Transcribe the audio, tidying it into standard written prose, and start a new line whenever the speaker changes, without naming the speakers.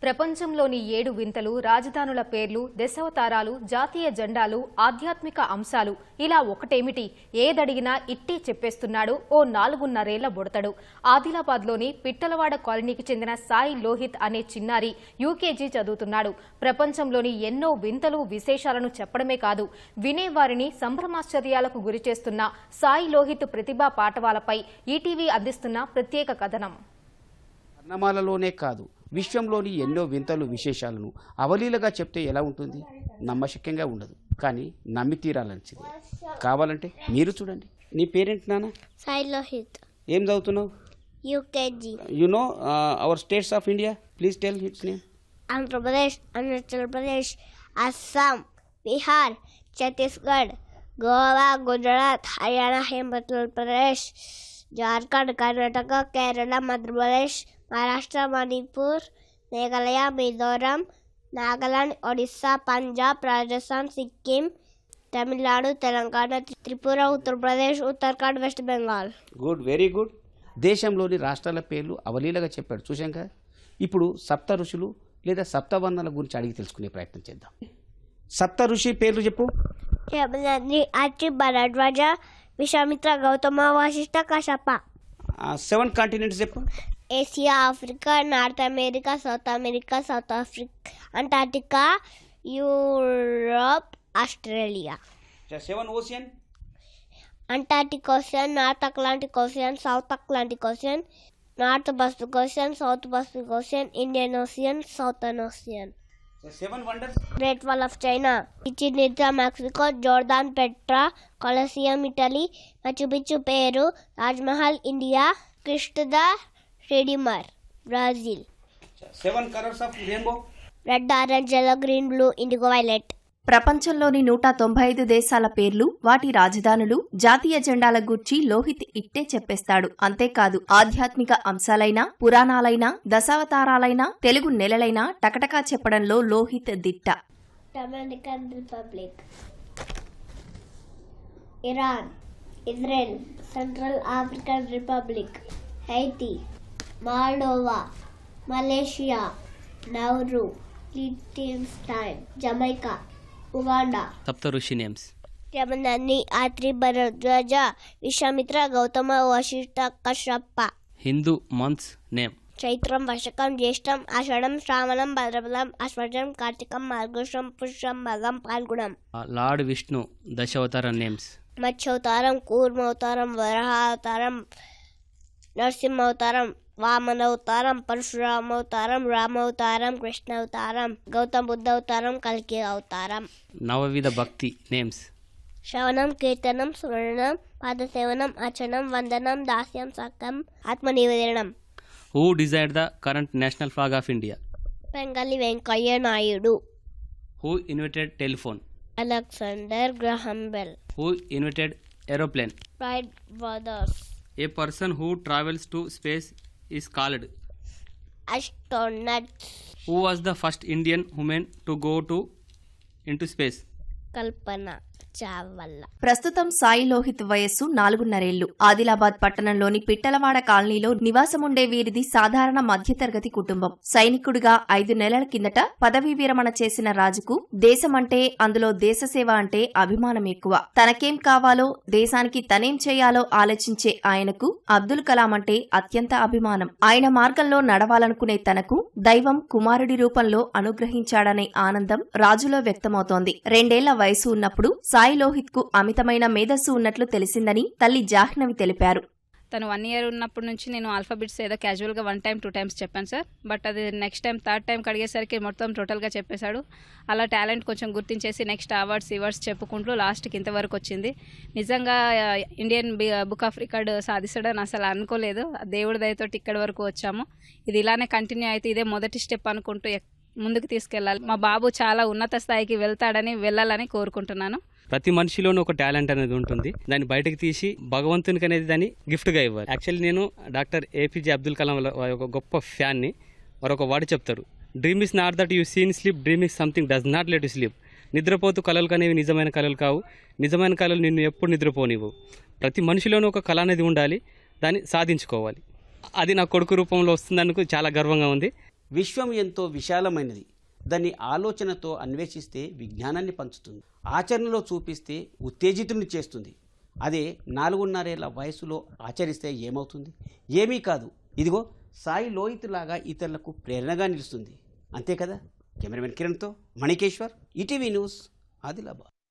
ప్రపంచంలోని 7 వింతలు, రాజధానుల పేర్లు, దశావతారాలు, జాతీయ జెండాలు, ఆధ్యాత్మిక అంశాలు ఇలా ఒకటేమిటి ఏదడిగినా ఇట్టే చెప్పేస్తున్నాడు ఓ 4.5 ఏళ్ల బుడతడు. ఆదిలాబాద్లోని పిట్టలవాడ కాలనీకి చెందిన సాయి లోహిత్ అనే చిన్నారి యూకేజీ చదువుతున్నాడు. ప్రపంచంలోని ఎన్నో వింతలు, విశేషాలను చెప్పడమే కాదు వినేవారిని సంభ్రమాశ్చర్యాలకు గురిచేస్తున్న సాయి లోహిత్ ప్రతిభా పాఠవాలపై ఈటీవీ అందిస్తున్న ప్రత్యేక కథనం.
వర్ణమాలలోనే కాదు విశ్వంలోని ఎన్నో వింతలు విశేషాలను అవలీలగా చెప్తే ఎలా ఉంటుంది? నమ్మశక్యంగా ఉండదు, కానీ నమ్మి తీరాలనిచింది. కావాలంటే మీరు చూడండి. నీ పేరేంటి నాన్న?
సాయి లోహిత్.
ఏం చదువుతున్నావు?
UKG.
You know our states of India, please tell its name.
Andhra Pradesh, Arunachal Pradesh, Assam, Bihar, Chhattisgarh, Goa, Gujarat, Haryana, Himachal Pradesh, Jharkhand, Karnataka, Kerala, Madhya Pradesh, Maharashtra, Manipur, Meghalaya, Mizoram, Nagaland, Odisha, Punjab, Rajasthan, Sikkim, Tamil Nadu, Telangana, Tripura, Uttar Pradesh, Uttarakhand, west Bengal.
Good, very good. దేశంలోని రాష్ట్రాల పేర్లు అవలీలగా చెప్పాడు, చూశాం కదా. ఇప్పుడు సప్త ఋషులు లేదా సప్తవర్ణాల గురించి అడిగి తెలుసుకునే ప్రయత్నం చేద్దాం. సప్త ఋషి పేర్లు చెప్పు.
అత్రి, భరద్వాజ, విశ్వామిత్ర, గౌతమ, వశిష్ఠ, కశ్యప.
7 కాంటినెంట్స్ చెప్పు.
Asia, Africa, North America, South America, South Africa, Antarctica, Europe, Australia.
7 ocean.
Antarctic Ocean, North Atlantic Ocean, South Atlantic Ocean, North Pacific Ocean, South Pacific Ocean, Indian Ocean, Southern Ocean.
7 wonders.
Great wall of China, Chichen Itza Mexico, Jordan Petra, Colosseum Italy, Machu Picchu Peru, Taj Mahal India, Christ the Redeemer Brazil.
7 colours of rainbow.
Red, orange, yellow, green, blue, indigo, violet.
ప్రపంచంలోని 195 దేశాల పేర్లు, వాటి రాజధానులు, జాతీయ జెండాల గూర్చి లోహిత్ ఇట్టే చెప్పేస్తాడు. అంతేకాదు ఆధ్యాత్మిక అంశాలైనా, పురాణాలైనా, దశావతారాలైనా, తెలుగు నెలలైనా టకటకా చెప్పడంలో లోహిత్ దిట్ట.
Dominican Republic, Iran, Israel, Central African Republic, Haiti, Moldova, Malaysia, Nauru, లిechtenstein, జమైకా, ఉగాండా.
సప్త ఋషి నేమ్స్.
యమనన్ని, ఆత్రి, భరద్వాజ, విశ్వామిత్ర, గౌతమ, వశిష్ఠ, కశ్యప.
Hindu months name.
చైత్రం, వర్షకం, జ్యేష్టం, ఆషాఢం, శ్రావణం, భద్రపదం, అశ్వజం, కార్తీకం, మార్గశం, పుష్యం, మగం, పాల్గుణం.
లార్డ్ విష్ణు దశావతార నేమ్స్.
మత్స్యావతారం, కూర్మావతారం, వరాహావతారం, నరసింహావతారం, వామనవతారం, పరశురామవతారం, రామావతారం, కృష్ణావతారం, గౌతమ బుద్ధ అవతారం, కల్కి అవతారం.
నవవిధ భక్తి నేమ్స్.
శ్రవణం, కీర్తనం, స్మరణం, పాదసేవనం, అర్చనం, వందనం, దాస్యం, సకం, ఆత్మనివేదనం.
Who desired the current national flag of India?
Pingali Venkayya Naidu.
Who invented telephone?
Alexander Graham Bell.
Who invented aeroplane?
Wright brothers.
A person who travels to space is called
astronauts.
Who was the first Indian woman to go into space?
Kalpana Chawla.
ప్రస్తుతం సాయి లోహిత్ వయస్సు 4.5 ఏళ్లు. ఆదిలాబాద్ పట్టణంలోని పిట్టలవాడ కాలనీలో నివాసముండే వీరిది సాధారణ మధ్యతరగతి కుటుంబం. సైనికుడిగా 5 నెలల కిందట పదవీ విరమణ చేసిన రాజుకు దేశమంటే, అందులో దేశసేవ అంటే అభిమానం ఎక్కువ. తనకేం కావాలో, దేశానికి తనేం చేయాలో ఆలోచించే ఆయనకు అబ్దుల్ కలాం అంటే అత్యంత అభిమానం. ఆయన మార్గంలో నడవాలనుకునే తనకు దైవం కుమారుడి రూపంలో అనుగ్రహించాడనే ఆనందం రాజులో వ్యక్తమవుతోంది. 2 ఏళ్ల వయసు ఉన్నప్పుడు సాయి లోహిత్ కు అమితమైన మేధస్సు ఉన్నట్లు తెలిసిందని తల్లి జాహ్నవి తెలిపారు.
తను 1 year ఉన్నప్పటి నుంచి నేను ఆల్ఫాబెట్స్ ఏదో క్యాజువల్గా 1 time 2 times చెప్పాను సార్. బట్ అది నెక్స్ట్ టైం 3rd time అడిగేసరికి మొత్తం టోటల్గా చెప్పేశాడు. అలా టాలెంట్ కొంచెం గుర్తించేసి నెక్స్ట్ అవార్డ్స్ చెప్పుకుంటూ లాస్ట్కి ఇంతవరకు వచ్చింది. నిజంగా ఇండియన్ బుక్ ఆఫ్ రికార్డ్ సాధిస్తాడని అసలు అనుకోలేదు. దేవుడి దయతోటి ఇక్కడి వరకు వచ్చాము. ఇది ఇలానే కంటిన్యూ అయితే ఇదే మొదటి స్టెప్ అనుకుంటూ ముందుకు తీసుకెళ్ళాలి. మా బాబు చాలా ఉన్నత స్థాయికి వెళ్ళాలని కోరుకుంటున్నాను.
ప్రతి మనిషిలోనూ ఒక టాలెంట్ అనేది ఉంటుంది. దాన్ని బయటకు తీసి భగవంతునికి అనేది దాన్ని గిఫ్ట్గా ఇవ్వాలి. యాక్చువల్లీ నేను డాక్టర్ ఏపీజే అబ్దుల్ కలాం ఒక గొప్ప ఫ్యాన్ని. మరొక వాడు చెప్తారు, dream is not that you seen sleep, dream is something does not let you sleep. నిద్రపోతూ కళలు కనేవి నిజమైన కళలు కావు, నిజమైన కళలు నిన్ను ఎప్పుడు నిద్రపోనివ్వు. ప్రతి మనిషిలోనూ ఒక కళ అనేది ఉండాలి, దాన్ని సాధించుకోవాలి. అది నా కొడుకు రూపంలో వస్తుందనుకు చాలా గర్వంగా ఉంది.
విశ్వం ఎంతో విశాలమైనది. దాన్ని ఆలోచనతో అన్వేషిస్తే విజ్ఞానాన్ని పంచుతుంది, ఆచరణలో చూపిస్తే ఉత్తేజితుని చేస్తుంది. అదే 4.5 ఏళ్ల వయసులో ఆచరిస్తే ఏమవుతుంది? ఏమీ కాదు. ఇదిగో సాయి లోహిత్ లాగా ఇతరులకు ప్రేరణగా నిలుస్తుంది. అంతే కదా. కెమెరామెన్ కిరణ్తో మణికేశ్వర్, ఈటీవీ న్యూస్, ఆదిలాబాద్.